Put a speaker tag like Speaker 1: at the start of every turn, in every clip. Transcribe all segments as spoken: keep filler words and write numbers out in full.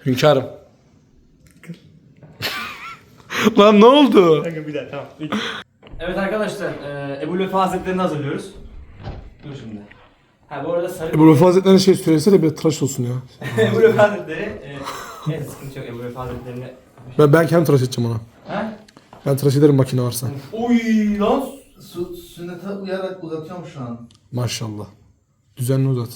Speaker 1: Hünkârım. Lan ne oldu?
Speaker 2: Kanka bir daha tamam. Evet arkadaşlar, e, Ebu Lütfü Hazretleri'ni hazırlıyoruz. Dur şimdi. Ha bu arada sarı...
Speaker 1: Ebu Lütfü Hazretleri'ne şey söylesene bir tıraş olsun ya.
Speaker 2: Ebu Lütfü Hazretleri, e, neyse sıkıntı yok Ebu Lütfü Hazretleri'ni...
Speaker 1: Ben, ben kendim tıraş edeceğim ona.
Speaker 2: Ha?
Speaker 1: Ben tıraş ederim makine varsa.
Speaker 2: Oy lan!
Speaker 3: Su, sünnete uyarak uzatıyorum şu an.
Speaker 1: Maşallah. Düzenli uzat.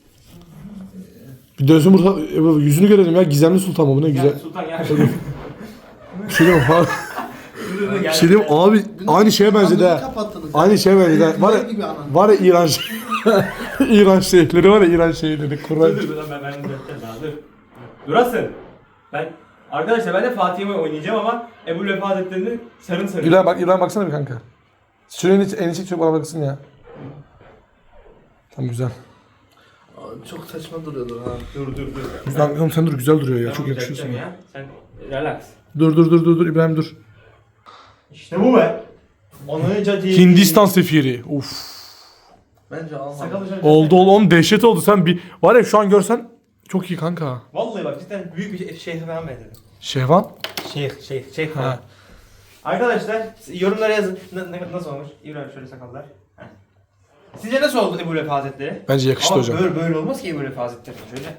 Speaker 1: Bir dönsün burada Ebu, yüzünü görelim ya. Gizemli Sultan mı bu ne güzel.
Speaker 2: Gel Sultan gel.
Speaker 1: Bir şey diyeyim abi. Bir şey diyeyim abi aynı şeye benzedi ha.
Speaker 3: Kapattınız.
Speaker 1: Aynı şeye benzedi ha. Var ya,
Speaker 3: gibi anan.
Speaker 1: var ya İran şey- İran şeyhleri var ya İran şeyhleri. Kur'an.
Speaker 2: Dur dur dur ben ben düzelteceğim daha dur. Durasın. Ben... Arkadaşlar ben de Fatih'imi oynayacağım ama Ebu Lütfü Hazretleri'ni sarın sarın.
Speaker 1: İran bak İran baksana bir kanka. Şuraya en içi çok bana baksın ya. Tamam güzel.
Speaker 3: Aa, çok saçma duruyordur ha.
Speaker 2: Dur dur dur.
Speaker 1: Güzel oğlum sen dur güzel duruyor ya.
Speaker 2: Tamam,
Speaker 1: Çok yakışıyorsun
Speaker 2: düzelteceğim
Speaker 1: ya.
Speaker 2: ya. Sen relax.
Speaker 1: Dur dur dur dur dur İbrahim dur.
Speaker 2: İşte bu be. Onu cadi.
Speaker 1: Hindistan sefiri. Uf.
Speaker 3: Bence alma.
Speaker 2: Sakalı şöyle.
Speaker 1: Oldu oldu oğlum dehşet oldu. Sen bir var ya şu an görsen çok iyi kanka.
Speaker 2: Vallahi bak cidden büyük bir şeyh falan benzedim.
Speaker 1: Şehvan?
Speaker 2: Şeyh, şeyh, şeyh
Speaker 1: Ha.
Speaker 2: falan. Arkadaşlar yorumlara yazın. Na- na- nasıl olmuş? İbrahim şöyle sakallar. Heh. Sizce nasıl oldu Ebu Lütfü Hazretleri?
Speaker 1: Bence yakıştı
Speaker 2: Ama
Speaker 1: hocam.
Speaker 2: böyle böyle olmaz ki Ebu Lütfü Hazretleri. Şöyle.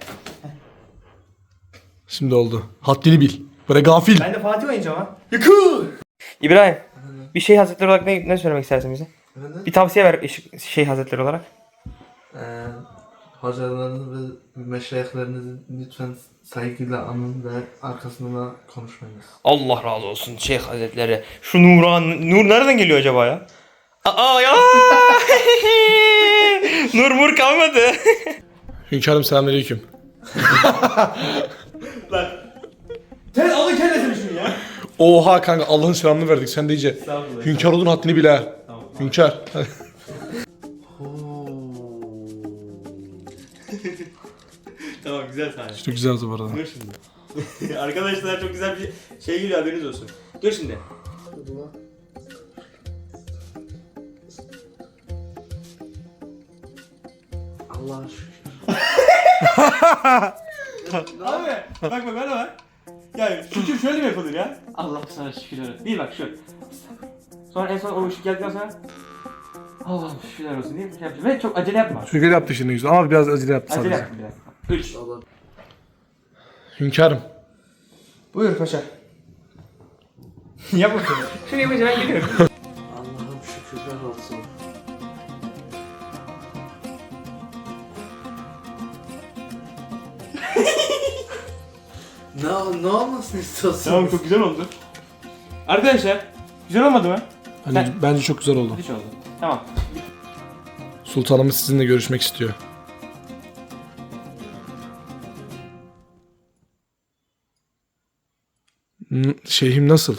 Speaker 1: Şimdi oldu. Haddini bil. Böyle gafil.
Speaker 2: Ben de Fatih oynayacağım ha. Yakın. İbrahim, bir Şeyh Hazretleri olarak ne, ne söylemek istersin bize?
Speaker 3: Efendim?
Speaker 2: Bir tavsiye ver Şeyh- Şeyh Hazretleri olarak.
Speaker 3: Ee, hocalarınız ve meşayihlerinizi lütfen saygıyla anın ve arkasında konuşmayınız.
Speaker 2: Allah razı olsun Şeyh Hazretleri. Şu Nuran, Nur nereden geliyor acaba ya? Aa ya! Nur mur kalmadı.
Speaker 1: Hünkârım selamünaleyküm.
Speaker 2: Lan. Sen alın kendisini şunu ya.
Speaker 1: Oha kanka Allah'ın selamını verdik sen de iyice.
Speaker 2: Estağfurullah.
Speaker 1: Hünkâr olduğun haddini bil ha.
Speaker 2: Tamam.
Speaker 1: Hünkâr.
Speaker 2: Tamam güzel sahne.
Speaker 1: Çok güzel oldu bu arada.
Speaker 2: Dur şimdi. Arkadaşlar çok güzel bir şey geliyor haberiniz olsun. Dur şimdi.
Speaker 3: Allah'a şükür.
Speaker 2: Abi bak bak bana bak. Ya şükür şöyle mi yapılır ya? Allah sana şükürler olsun. Bir bak şu. Sonra en son o ışık geldikten sonra Allah'ım şükürler olsun diye bir şey yapacağım. Ve çok acele yapma.
Speaker 1: Şükür yaptı şimdi güzel ama biraz acele yaptı
Speaker 2: Acele
Speaker 1: sadece.
Speaker 2: yapma biraz. Üç.
Speaker 3: Allah.
Speaker 1: Hünkârım.
Speaker 2: Buyur paşa. Yapma şunu. Şunu yapınca ben gidiyorum.
Speaker 3: Allah'ım şükürler olsun. ne, ne olmasını istiyorsun?
Speaker 2: Tamam çok güzel oldu. Arkadaşlar güzel olmadı mı?
Speaker 1: Bence, bence çok güzel oldu.
Speaker 2: Hiç oldu. Tamam.
Speaker 1: Sultanımız sizinle görüşmek istiyor. N- Şeyhim nasıl?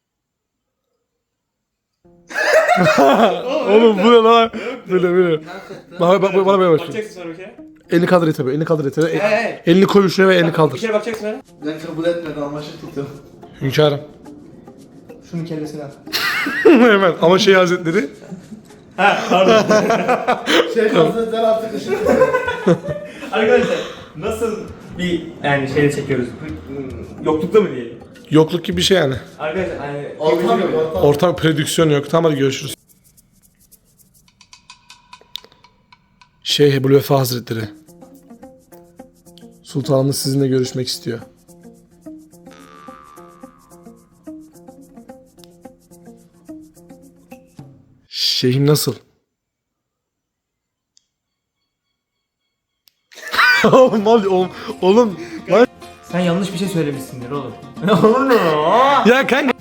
Speaker 1: Oğlum bu ne lan? Böyle böyle. Bana, bak, bana böyle bak.
Speaker 2: Bakacaksın sonra bir kere.
Speaker 1: Elini kaldır et tabii. Elini kaldır et tabii.
Speaker 2: Hey, hey.
Speaker 1: Elini koy şuraya ve elini
Speaker 2: Bir
Speaker 1: kaldır.
Speaker 2: kere bakacaksın öyle.
Speaker 3: Ben kabul etmedim ama şey tutuyorum.
Speaker 1: Hünkârım.
Speaker 2: Şunun kellesini al.
Speaker 1: Hemen ama şey hazretleri.
Speaker 2: Ha pardon.
Speaker 3: Şey hazretleri artık ışık.
Speaker 2: Arkadaşlar nasıl bir yani şeyde çekiyoruz? Yoklukta mı diyelim?
Speaker 1: Yokluk gibi bir şey yani.
Speaker 2: Arkadaşlar hani
Speaker 3: Ortam yok ortam.
Speaker 1: Ortam prodüksiyon yok. Tamam hadi görüşürüz. Şeyh Ebu Lütfü Hazretleri. Sultanımız sizinle görüşmek istiyor. Şeyhim nasıl? oğlum oğlum oğlum lan
Speaker 2: sen yanlış bir şey söylemişsindir oğlum. Olur mu?
Speaker 1: ya kanka.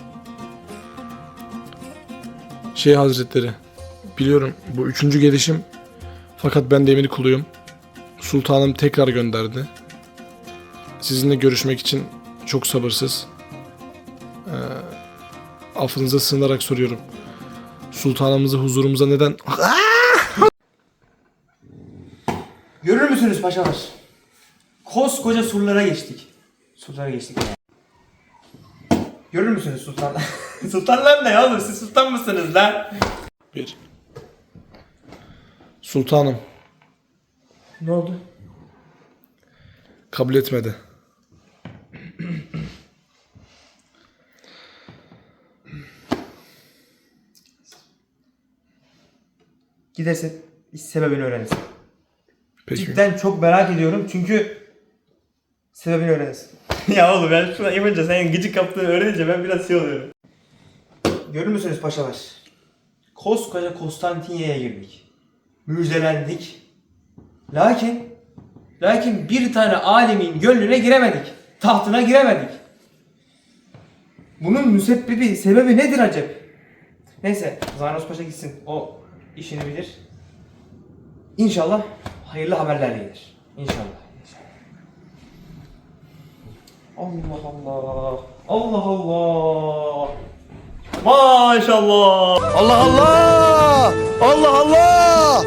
Speaker 1: Şeyh Hazretleri. Biliyorum bu üçüncü gelişim. Fakat ben de emir kuluyum. Sultanım tekrar gönderdi. Sizinle görüşmek için çok sabırsız. Ee, affınıza sığınarak soruyorum. Sultanımızı huzurumuza neden...
Speaker 2: Görür müsünüz paşalar? Koskoca surlara geçtik. Surlara geçtik yani. Görür müsünüz sultanlar? Sultanlar ne ya oğlum? Siz sultan mısınız lan?
Speaker 1: Bir. Sultanım
Speaker 2: Ne oldu?
Speaker 1: kabul etmedi.
Speaker 2: gidersin sebebini öğrenirsin.
Speaker 1: Peki.
Speaker 2: Cidden çok merak ediyorum çünkü sebebini öğrenirsin. Ya oğlum ben şuna yapınca senin gıcık kaptığını öğrenince ben biraz şey oluyorum. Görür müsünüz paşalar? Koskoca Konstantinye'ye girdik. Müjdelendik. Lakin lakin bir tane alimin gönlüne giremedik. Tahtına giremedik. Bunun müsebbibi, sebebi nedir acaba? Neyse, Zaynos Paşa gitsin. O işini bilir. İnşallah hayırlı haberlerle gelir. İnşallah. Allah Allah. Allah Allah. Maşallah.
Speaker 4: Allah Allah! Allah Allah!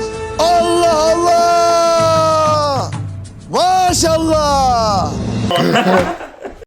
Speaker 4: Allah Allah! Maşallah!